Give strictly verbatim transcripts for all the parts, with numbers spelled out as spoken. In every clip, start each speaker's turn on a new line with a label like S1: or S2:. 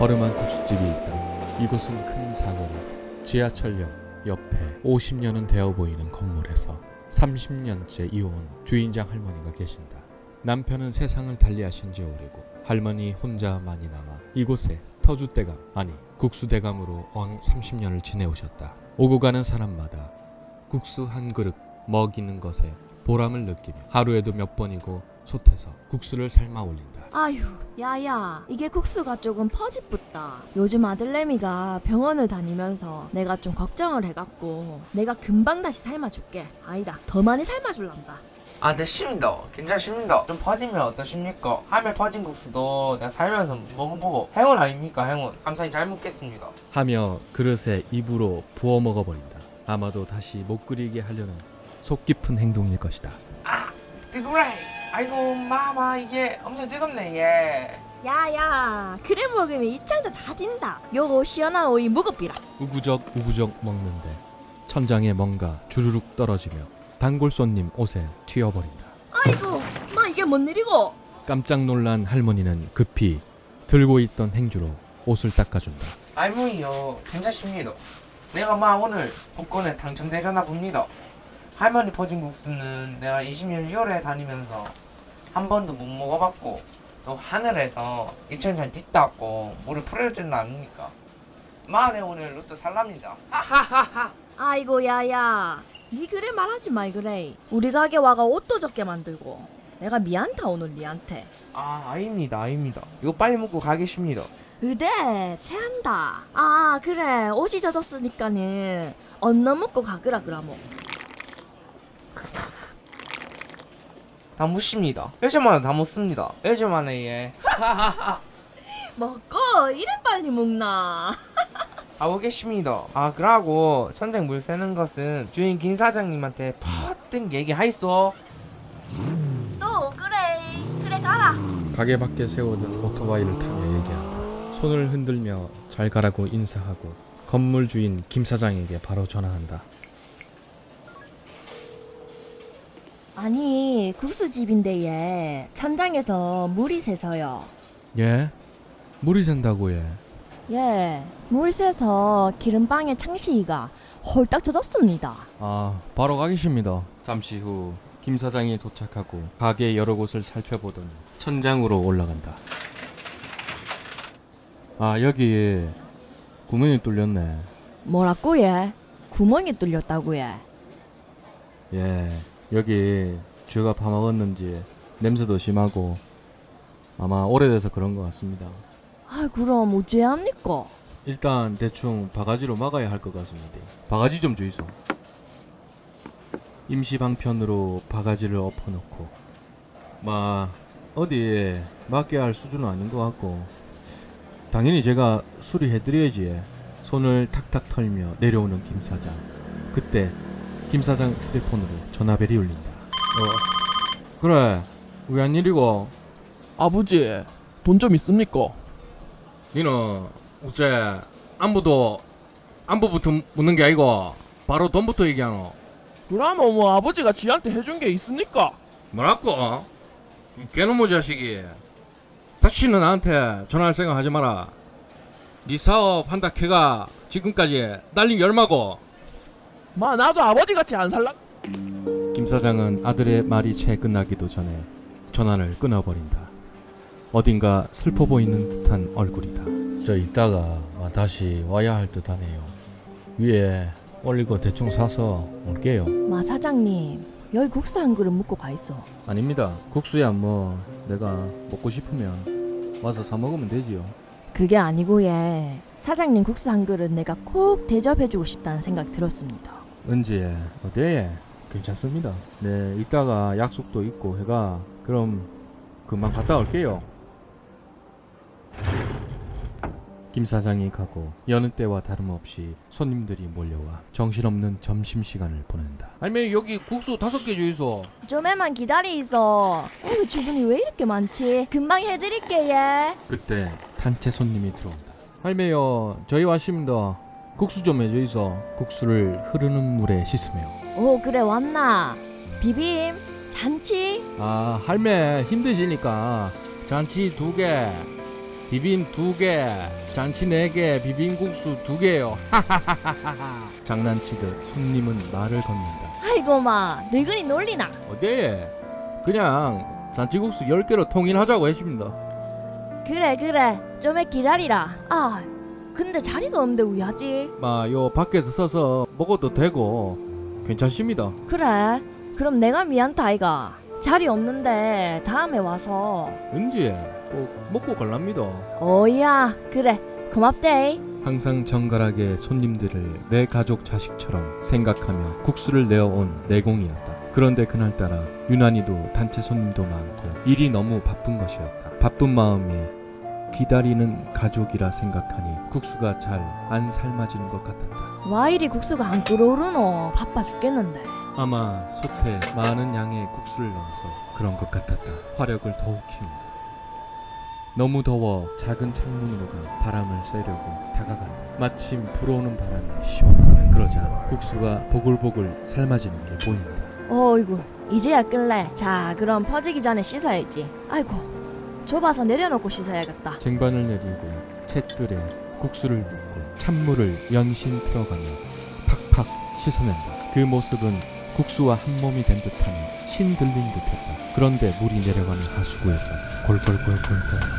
S1: 허름한 국수집이 있다. 이곳은 큰 사거리, 지하철역 옆에 오십 년은 되어 보이는 건물에서 삼십 년째 이어온 주인장 할머니가 계신다. 남편은 세상을 달리하신 지 오래고 할머니 혼자만이 남아 이곳에 터줏대감, 아니 국수대감으로 언 삼십 년을 지내오셨다. 오고 가는 사람마다 국수 한 그릇 먹이는 것에 보람을 느끼며 하루에도 몇 번이고 솥에서 국수를 삶아 올린다.
S2: 아휴, 야야, 이게 국수가 조금 퍼집붙다. 요즘 아들내미가 병원을 다니면서 내가 좀 걱정을 해갖고 내가 금방 다시 삶아줄게. 아니다, 더 많이 삶아줄란다.
S3: 아, 됐습니다. 괜찮습니다. 좀 퍼지면 어떠십니까? 하멜 퍼진 국수도 내가 살면서 먹어보고 행운 아닙니까, 행운. 감사히 잘 먹겠습니다.
S1: 하며 그릇에 입으로 부어 먹어버린다. 아마도 다시 못 끓이게 하려는 속 깊은 행동일 것이다.
S3: 아, 뜨거래. 아이고, 마마, 이게 엄청 뜨겁네, 예.
S2: 야야, 그래 먹으면 이 창도 다 딘다. 요거 시원한 오이 무겁비라.
S1: 우구적 우구적 먹는데 천장에 뭔가 주르륵 떨어지며 단골 손님 옷에 튀어버린다.
S2: 아이고, 마 이게 뭔 일이고?
S1: 깜짝 놀란 할머니는 급히 들고 있던 행주로 옷을 닦아준다.
S3: 할머니요, 괜찮습니다. 내가 마 오늘 복권에 당첨되려나 봅니다. 할머니 퍼진 국수는 내가 이십 년 이월에 다니면서 한 번도 못 먹어봤고 또 하늘에서 일천장 뒷닫고 물을 풀어주는 아닙니까? 마, 내 오늘 로또 살랍니다. 하하하하.
S2: 아이고 야야, 니 그래 말하지 말 그래. 우리 가게 와가 옷도 적게 만들고 내가 미안타 오늘 니한테.
S3: 아, 아닙니다, 아닙니다. 이거 빨리 먹고 가겠습니다.
S2: 의대 체한다. 아 그래, 옷이 젖었으니까는 언너 먹고 가그라 그라모.
S3: 다 묻습니다. 요즘만에 다 묻습니다. 요즘만에 예.
S2: 먹고 이래 빨리 먹나.
S3: 가보겠습니다. 아, 그러고 천장 물 새는 것은 주인 김 사장님한테 퍼뜩 얘기하이소.
S2: 또 그래 그래 가라.
S1: 가게 밖에 세워둔 오토바이를 타며 얘기한다. 손을 흔들며 잘 가라고 인사하고 건물 주인 김 사장에게 바로 전화한다.
S2: 아니 국수집인데 얘 천장에서 물이 새서요.
S1: 예? 물이 샌다고 예?
S2: 예, 물 새서 기름방에 창시이가 홀딱 젖었습니다.
S1: 아, 바로 가겠습니다. 잠시 후 김 사장이 도착하고 가게 여러 곳을 살펴보더니 천장으로 올라간다. 아, 여기 구멍이 뚫렸네.
S2: 뭐라고 얘? 구멍이 뚫렸다고 얘?
S1: 예, 여기 쥐가 파먹었는지 냄새도 심하고 아마 오래돼서 그런 것 같습니다.
S2: 아 그럼 어째야 합니까?
S1: 일단 대충 바가지로 막아야 할 것 같습니다. 바가지 좀 주이소. 임시 방편으로 바가지를 엎어놓고 마 어디 맡게 할 수준은 아닌 것 같고 당연히 제가 수리해드려야지. 손을 탁탁 털며 내려오는 김 사장. 그때 김 사장 휴대폰으로 전화벨이 울린다. 어, 그래, 왜 안 일이고?
S4: 아버지, 돈 좀 있습니까?
S1: 니는 어째 안부도 안부부터 묻는 게 아니고 바로 돈부터 얘기하노?
S4: 그러면 뭐 아버지가 지한테 해준 게 있습니까?
S1: 뭐라고? 이 개놈의 자식이 다시는 나한테 전화할 생각 하지 마라. 네 사업 한다 캐가 지금까지 날린 게 얼마고?
S4: 마 나도 아버지 같이 안 살라.
S1: 김 사장은 아들의 말이 채 끝나기도 전에 전화를 끊어버린다. 어딘가 슬퍼 보이는 듯한 얼굴이다. 저 이따가 다시 와야 할 듯하네요. 위에 올리고 대충 사서 올게요.
S2: 마 사장님, 여기 국수 한 그릇 먹고 가 있어.
S1: 아닙니다. 국수야 뭐 내가 먹고 싶으면 와서 사 먹으면 되지요.
S2: 그게 아니고 얘, 사장님 국수 한 그릇 내가 꼭 대접해주고 싶다는 생각 들었습니다.
S1: 은지에 어때에? 괜찮습니다. 네, 이따가 약속도 있고 해가 그럼 금방 갔다 올게요. 김 사장이 가고 여느 때와 다름없이 손님들이 몰려와 정신없는 점심시간을 보낸다. 할머니 여기 국수 다섯 개 주이소.
S2: 좀에만 기다리소. 오늘 주문이 왜 이렇게 많지? 금방 해드릴게 얘.
S1: 그때 단체 손님이 들어온다. 할매요, 저희 왔습니다. 국수 좀 해주이소. 국수를 흐르는 물에 씻으며.
S2: 오 그래 왔나? 비빔? 잔치?
S1: 아, 할매 힘드시니까 잔치 두 개. 비빔 두 개, 잔치 네 개, 비빔국수 두 개요. 장난치듯 손님은 말을 건넨다.
S2: 아이고 마 늙은이 놀리나.
S1: 어디? 그냥 잔치국수 열 개로 통일하자고 했습니다.
S2: 그래 그래 좀에 기다리라. 아 근데 자리가 없는데 왜 하지?
S1: 마요 밖에서 서서 먹어도 되고 괜찮습니다.
S2: 그래 그럼 내가 미안타 아이가. 자리 없는데 다음에 와서.
S1: 은지 꼭 먹고 갈랍니다.
S2: 어이야 그래 고맙대.
S1: 항상 정갈하게 손님들을 내 가족 자식처럼 생각하며 국수를 내어온 내공이었다. 그런데 그날따라 유난히도 단체 손님도 많고 일이 너무 바쁜 것이었다. 바쁜 마음에 기다리는 가족이라 생각하니 국수가 잘 안 삶아지는 것 같았다.
S2: 와 이리 국수가 안 끓어오르노. 바빠 죽겠는데.
S1: 아마 솥에 많은 양의 국수를 넣어서 그런 것 같았다. 화력을 더욱 키운다. 너무 더워 작은 창문으로가 바람을 쐬려고 다가간다. 마침 불어오는 바람이 시원하다. 그러자 국수가 보글보글 삶아지는 게 보인다.
S2: 어이구 이제야 끌래. 자 그럼 퍼지기 전에 씻어야지. 아이고 좁아서 내려놓고 씻어야겠다.
S1: 쟁반을 내리고 챗들에 국수를 붓고 찬물을 연신 틀어가며 팍팍 씻어낸다. 그 모습은 국수와 한 몸이 된 듯하며 신들린 듯했다. 그런데 물이 내려가는 하수구에서 골골골골골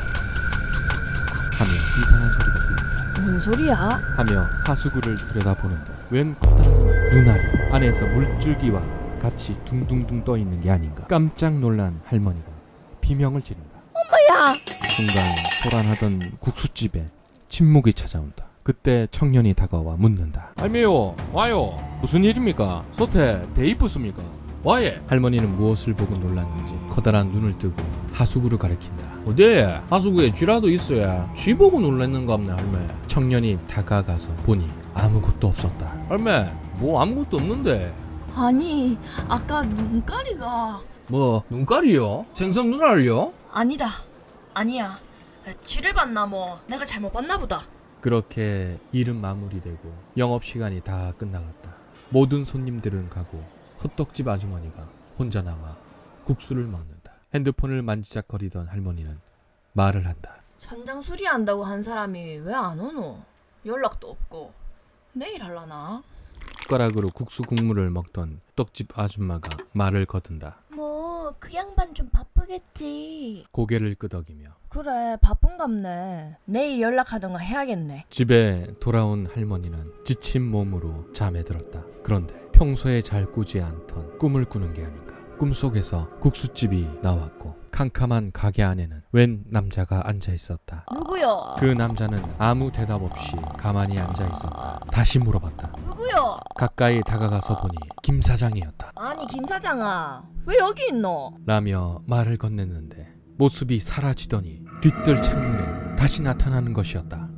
S1: 하며 이상한 소리가 들린다.
S2: 뭔 소리야?
S1: 하며 하수구를 들여다보는데 웬 커다란 눈알이 안에서 물줄기와 같이 둥둥둥 떠있는 게 아닌가. 깜짝 놀란 할머니가 비명을 지른다.
S2: 엄마야.
S1: 순간 소란하던 국수집에 침묵이 찾아온다. 그때 청년이 다가와 묻는다. 할매요 와요. 무슨 일입니까? 솥에 대입부습니까? 와예. 할머니는 무엇을 보고 놀랐는지 커다란 눈을 뜨고 하수구를 가리킨다. 어디? 하수구에 쥐라도 있어야 쥐 보고 놀랐는가 없네 할매. 청년이 다가가서 보니 아무것도 없었다. 할매 뭐 아무것도 없는데.
S2: 아니 아까 눈가리가.
S1: 뭐 눈깔이요? 생선 눈알요?
S2: 아니다 아니야. 쥐를 봤나 뭐. 내가 잘못 봤나 보다.
S1: 그렇게 일은 마무리되고 영업시간이 다 끝나갔다. 모든 손님들은 가고 호떡집 아주머니가 혼자 남아 국수를 먹는다. 핸드폰을 만지작거리던 할머니는 말을 한다.
S2: 천장 수리한다고 한 사람이 왜 안 오노? 연락도 없고. 내일 할라나?
S1: 숟가락으로 국수 국물을 먹던 떡집 아줌마가 말을 거둔다.
S2: 뭐 그 양반 좀 바쁘겠지.
S1: 고개를 끄덕이며
S2: 그래 바쁜갑네. 내일 연락하던가 해야겠네.
S1: 집에 돌아온 할머니는 지친 몸으로 잠에 들었다. 그런데 평소에 잘 꾸지 않던 꿈을 꾸는 게 아닌가. 꿈속에서 국수집이 나왔고 캄캄한 가게 안에는 웬 남자가 앉아 있었다.
S2: 누구요?
S1: 그 남자는 아무 대답 없이 가만히 앉아 있었다. 다시 물어봤다.
S2: 누구요?
S1: 가까이 다가가서 보니 김 사장이었다.
S2: 아니 김 사장아 왜 여기 있노?
S1: 라며 말을 건넸는데 모습이 사라지더니 뒤뜰 창문에 다시 나타나는 것이었다.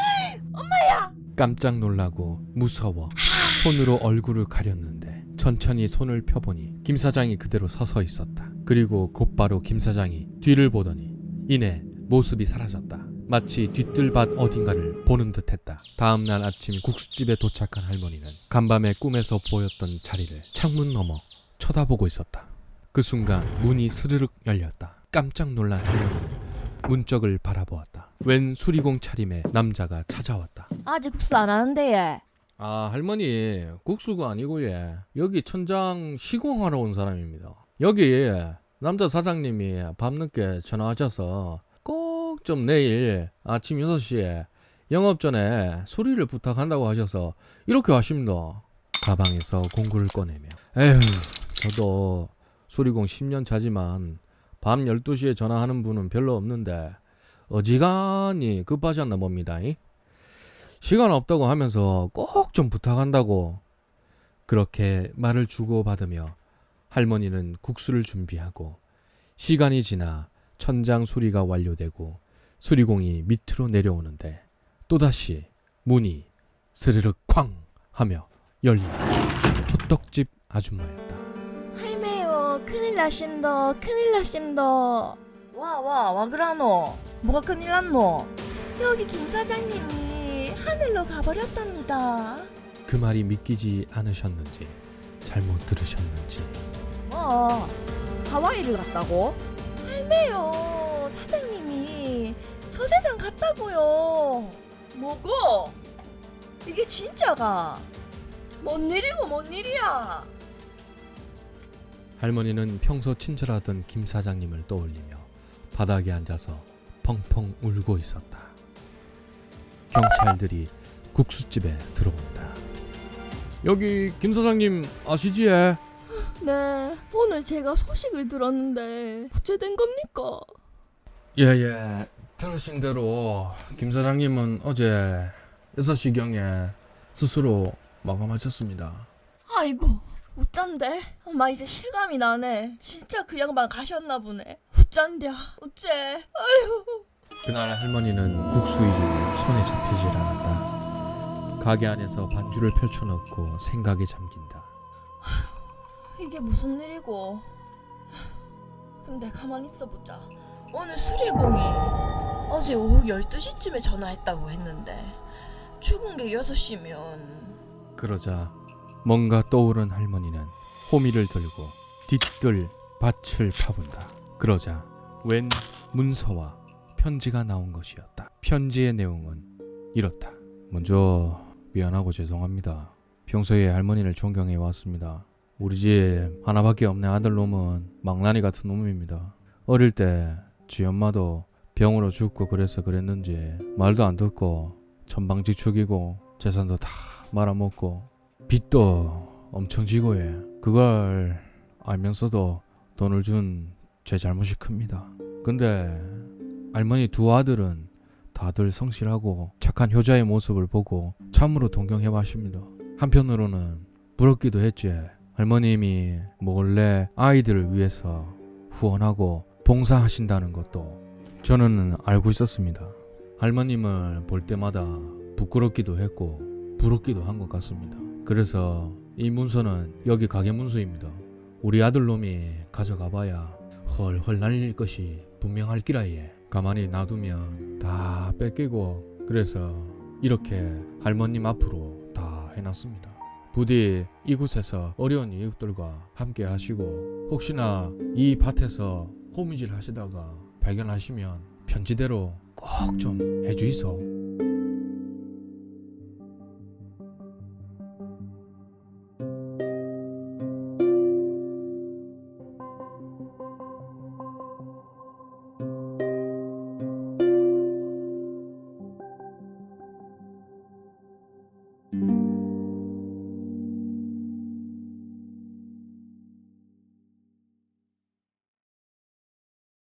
S2: 엄마야!
S1: 깜짝 놀라고 무서워 손으로 얼굴을 가렸는데 천천히 손을 펴보니 김 사장이 그대로 서서 있었다. 그리고 곧바로 김 사장이 뒤를 보더니 이내 모습이 사라졌다. 마치 뒤뜰밭 어딘가를 보는 듯했다. 다음날 아침 국수집에 도착한 할머니는 간밤에 꿈에서 보였던 자리를 창문 너머 쳐다보고 있었다. 그 순간 문이 스르륵 열렸다. 깜짝 놀란 할머니는 문짝을 바라보았다. 웬 수리공 차림의 남자가 찾아왔다.
S2: 아직 국수 안 하는데 얘.
S1: 아 할머니 국수가 아니고 예 여기 천장 시공하러 온 사람입니다. 여기 남자 사장님이 밤늦게 전화하셔서 꼭 좀 내일 아침 여섯 시에 영업 전에 수리를 부탁한다고 하셔서 이렇게 하십니다. 가방에서 공구를 꺼내며 에휴 저도 수리공 십 년 차지만 밤 열두 시에 전화하는 분은 별로 없는데 어지간히 급하셨나 봅니다. 시간 없다고 하면서 꼭 좀 부탁한다고. 그렇게 말을 주고받으며 할머니는 국수를 준비하고 시간이 지나 천장 수리가 완료되고 수리공이 밑으로 내려오는데 또다시 문이 스르륵 쾅 하며 열린다. 호떡집 아줌마였다.
S2: 할매요 큰일 나심더 큰일 나심더. 와와 와 그라노. 뭐가 큰일 났노? 여기 김 사장님이 하늘로 가버렸답니다.
S1: 그 말이 믿기지 않으셨는지 잘못 들으셨는지
S2: 뭐 하와이를 갔다고? 할매요 사장님이 저 세상 같다고요. 뭐고? 이게 진짜가? 뭔 일이고 뭔 일이야?
S1: 할머니는 평소 친절하던 김 사장님을 떠올리며 바닥에 앉아서 펑펑 울고 있었다. 경찰들이 국수집에 들어온다. 여기 김 사장님 아시지?
S2: 네, 오늘 제가 소식을 들었는데 어째 된 겁니까?
S1: 예예, 들으신 대로 김 사장님은 어제 여섯 시경에 스스로 마감하셨습니다.
S2: 아이고, 어쩐데? 엄마 이제 실감이 나네. 진짜 그 양반 가셨나 보네. 어쩐냐, 어째? 아유.
S1: 그날 할머니는 국수 일이 손에 잡히질 않았다. 가게 안에서 반주를 펼쳐놓고 생각에 잠긴다.
S2: 이게 무슨 일이고? 근데 가만히 있어보자. 오늘 수리공이 어제 오후 열두 시쯤에 전화했다고 했는데 죽은 게 여섯 시면
S1: 그러자 뭔가 떠오른 할머니는 호미를 들고 뒤뜰 밭을 파본다. 그러자 웬 문서와 편지가 나온 것이었다. 편지의 내용은 이렇다. 먼저 미안하고 죄송합니다. 평소에 할머니를 존경해 왔습니다. 우리 집 하나밖에 없는 아들놈은 망나니 같은 놈입니다. 어릴 때 지 엄마도 병으로 죽고 그래서 그랬는지 말도 안 듣고 천방지축이고 재산도 다 말아먹고 빚도 엄청 지고 해. 그걸 알면서도 돈을 준 제 잘못이 큽니다. 근데 할머니 두 아들은 다들 성실하고 착한 효자의 모습을 보고 참으로 동경해 왔습니다. 한편으로는 부럽기도 했지. 할머님이 몰래 아이들을 위해서 후원하고 봉사하신다는 것도 저는 알고 있었습니다. 할머님을 볼 때마다 부끄럽기도 했고 부럽기도 한 것 같습니다. 그래서 이 문서는 여기 가게 문서입니다. 우리 아들놈이 가져가봐야 헐헐 날릴 것이 분명할 기라예. 가만히 놔두면 다 뺏기고 그래서 이렇게 할머님 앞으로 다 해놨습니다. 부디 이곳에서 어려운 이웃들과 함께 하시고 혹시나 이 밭에서 호미질 하시다가 발견하시면 편지대로 꼭 좀 해주이소.